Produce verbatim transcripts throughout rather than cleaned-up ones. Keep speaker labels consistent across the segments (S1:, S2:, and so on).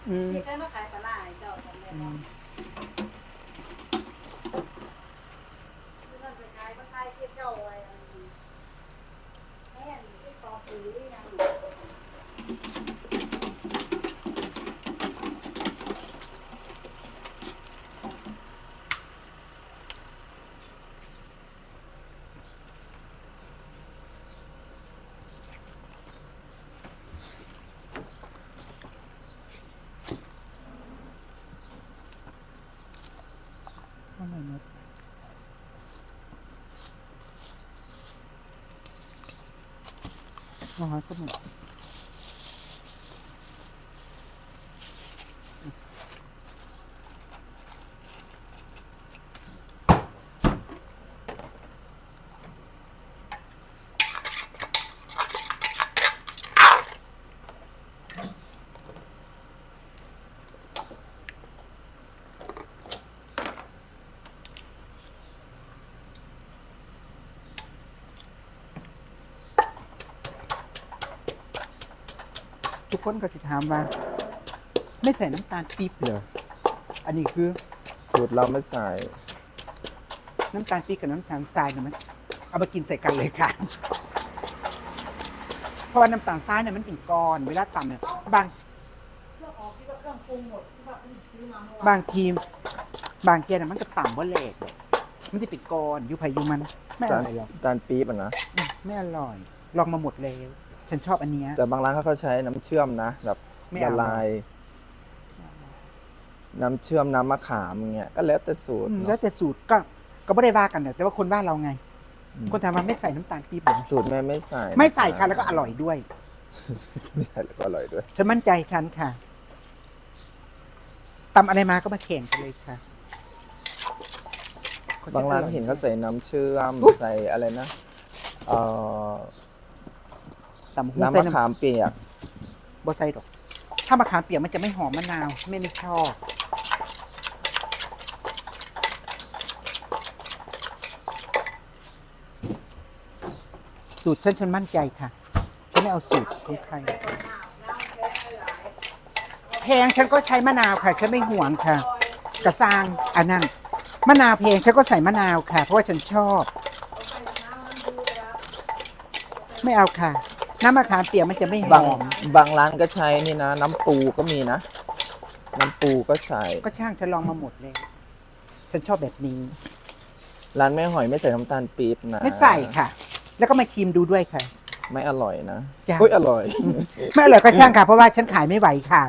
S1: อืม
S2: ที่เคยมาขายปลาไหลเจ้าของแม่บอกที่นั่นไปขายปลาไหลเทียบเจ้าไว้อันนี้แม่นที่ตอปุ๋ยยัง
S1: ว่าไงนะน้อยก็หมดทุกคนก็จะถามว่าไม่ใส่น้ำตาลปี๊บเหรออันนี้คือ
S3: สูตรเราไม่ใส่
S1: น้ำตาลปี๊บกับน้ำตาลทรายเนี่ยมันเอามากินใส่กันเลยค่ะ เพราะว่าน้ำตาลทรายเนี่ยมันเป็นก้อนเวลาตำเนี่ยบาง
S2: เครื่องออกที่ว่าเครื่องปรุงหมดที่ว่าเพิ่งซื้อมาเมื่อวาน
S1: บางทีบางเทียน่ะมันจะต่ำว่าเล็กมันจะเป็นก้อนอยู่ไผอยู่มันไม่อ
S3: จาน
S1: ร่อยหรอก
S3: จานปี๊บอ่ะนะ
S1: อืมไม่อร่อย ลองมาหมดแล้วฉันชอบอันเนี้ย
S3: แต่บางร้านเขาก็ใช้น้ำเชื่อมนะแบบ
S1: ไม่
S3: ละ
S1: เอา
S3: ลาย น้ำเชื่อมน้ำมะขามอย่างเงี้ยก็แล้วแต่สูตร
S1: อืม
S3: เน
S1: แล้ว
S3: อะ
S1: แต่สูตรก็ก็ไม่ได้ว่ากันเนี่ยแต่ว่าคนบ้านเราไง
S3: อืม
S1: คนทำมันไม่ใส่น้ำตาลปี๊บเหรอ
S3: สูตรแม่ไม่ใส่
S1: ไม่ใส่ค่ะแล้วก็อร่อยด้วย
S3: ไม่ใส่แล้วก็อร่อยด้วย
S1: ฉันมั่นใจฉันค่ะตำอะไรมาก็มาแข่งกันเลยค่ะ
S3: บางร้านเห็นเขาใส่น้ำเชื่อมใส่อะไรนะเอ่อ
S1: ตำหู
S3: น้ำ
S1: ใส่
S3: มะ
S1: น้ำ
S3: ขามเปียก
S1: บอใส่ดอก ถ้ามะขามเปียกมันจะไม่หอมมะนาวไม่ไม่ชอบสูตรฉันฉันมั่นใจค่ะฉันไม่เอาสูตรของใครแพงฉันก็ใช้มะนาวค่ะฉันไม่ห่วงค่ะ กระซางอันนั้นมะนาวแพงฉันก็ใส่มะนาวค่ะ เพราะว่าฉันชอบ ไม่เอาค่ะ น้ำมะขามเปียกมันจะไม่ห
S3: บาง
S1: อม
S3: บางร้านก็ใช้นี่นะ น้ำปูก็มีนะ น้ำปูก็ใส่
S1: ก็ช่างฉันลองมาหมดเลย ฉันชอบแบบนี้
S3: ร้านแม่หอยไม่ใส่น้ำตาลปี๊บนะ
S1: ไม่ใส่ค่ะ แล้วก็มาชิมดูด้วยค่ะ
S3: ไม่อร่อยนะ
S1: จ้ะ
S3: อุ้ยอร่อย
S1: ไม่อร่อยก็ช่างค่ะ เพราะว่าฉันขายไม่ไหวค่ะ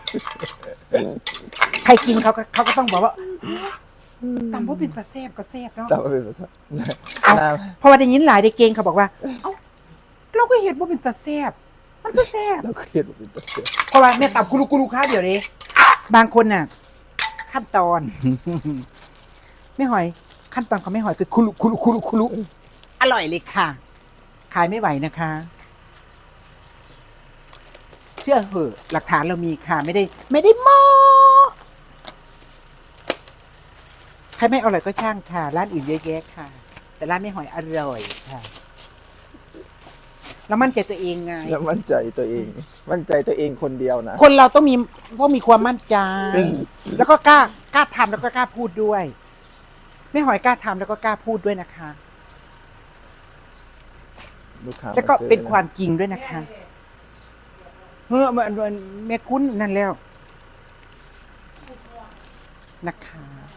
S1: ใครกินเขาก็เขาก็ต้องบอกว่าตำว่าเป็นปลาแซ่บก็แซ่บเนาะ
S3: แต่ว่าเป็นแบบ
S1: เอา
S3: น้
S1: เพราะว่าได้ยินหลายได้เก่งเขาบอกว่า เอ้าเราก็เห็นว่าเป็นปลาแซ่บมันก็แซ่บ
S3: ำเราเครียดว่าเป็นตัวเสีย
S1: เพราะว่าแม่ตับกุลุกุลุค้าเดี๋ยวนี้บางคนน่ะ ขั้นตอน ไม่หอย ขั้นตอนของไม่หอยคือคุลุคุลุคุลุคุลุอร่อยเลยค่ะ ขายไม่ไหวนะคะ เชื่อเหอะหลักฐานเรามีค่ะ ไม่ได้ ไม่ได้โมใครไม่อร่อยก็ช่างค่ะ ร้านอื่นเยอะแยะค่ะ แต่ร้านไม่หอยอร่อยค่ะ แล้วมั่นใจตัวเองไง
S3: แล้วมั่นใจตัวเอง มั่นใจตัวเองคนเดียวนะ
S1: คนเราต้องมีต้องมีความมั่นใจ แล้วก็กล้ากล้าทำแล้วก็กล้าพูดด้วย ไม่หอยกล้าทำแล้วก็กล้าพูดด้วยนะคะ
S3: ลูกค้า
S1: แล้วก็
S3: มาซื้อ
S1: เป็นความจริงด้วยนะคะเฮ้อมันมันแม่คุ้นนั่นแล้วนะคะ